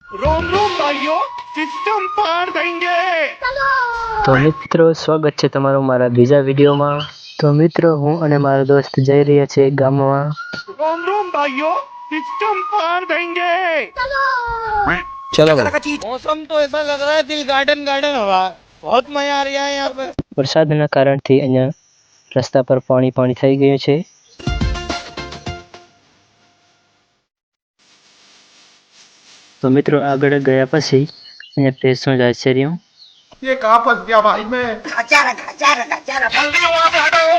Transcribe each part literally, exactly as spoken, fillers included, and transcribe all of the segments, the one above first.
रोम रोम भाइयों, सिस्टम पार देंगे। તો મિત્રો સ્વાગત છે તમારું મારા બીજા વિડીયોમાં। તો મિત્રો હું અને મારો દોસ્ત જઈ રહ્યા છે ગામમાં। रोम रोम भाइयों, सिस्टम पार देंगे। चलो भाई। मौसम तो ऐसा लग रहा है दिल गार्डन गार्डन हो रहा है। बहुत मजा आ रहा है यहाँ पे। વરસાદના કારણથી અહીંયા રસ્તા પર પાણી પાણી થઈ ગયું છે। તો મિત્રો આગળ ગયા પછી અહીંયા ટેસ્ટનો જ આશ્ચર્ય। ये कहाँ फंस गया भाई मैं? जल्दी वहाँ से हटो।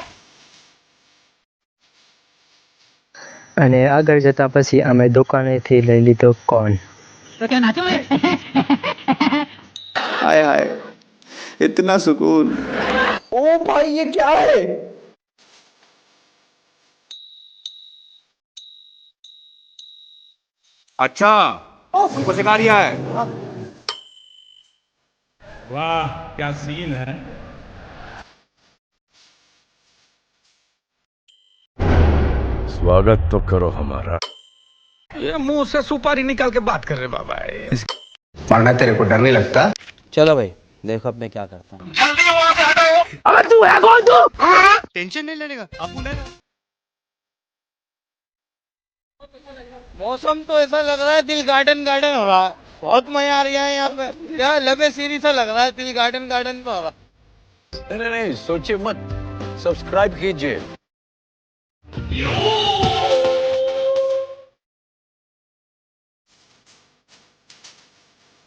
અને આગળ જતા પછી અમે દુકાનેથી લઈ લીધો કોર્ન। हाय हाय इतना सुकून। ओ भाई ये क्या है? अच्छा, तुमको सिखा रिया है। वाह क्या सीन है। स्वागत तो करो हमारा। ये मुंह से सुपारी निकाल के बात कर रहे बाबा। वरना तेरे को डर नहीं लगता? चलो भाई देखो अब मैं क्या करता हूँ। जल्दी वहाँ से हटो। अबे तू है कौन तू? टेंशन नहीं लेने का, अपू लेना। मौसम तो ऐसा लग रहा है दिल गार्डन गार्डन हो रहा है। बहुत मजा आ रहा है यहाँ पे। यार लबे सीरी सा लग रहा है, दिल गार्डन गार्डन पे हो रहा है। नहीं नहीं सोचिए मत, सब्सक्राइब कीजिए।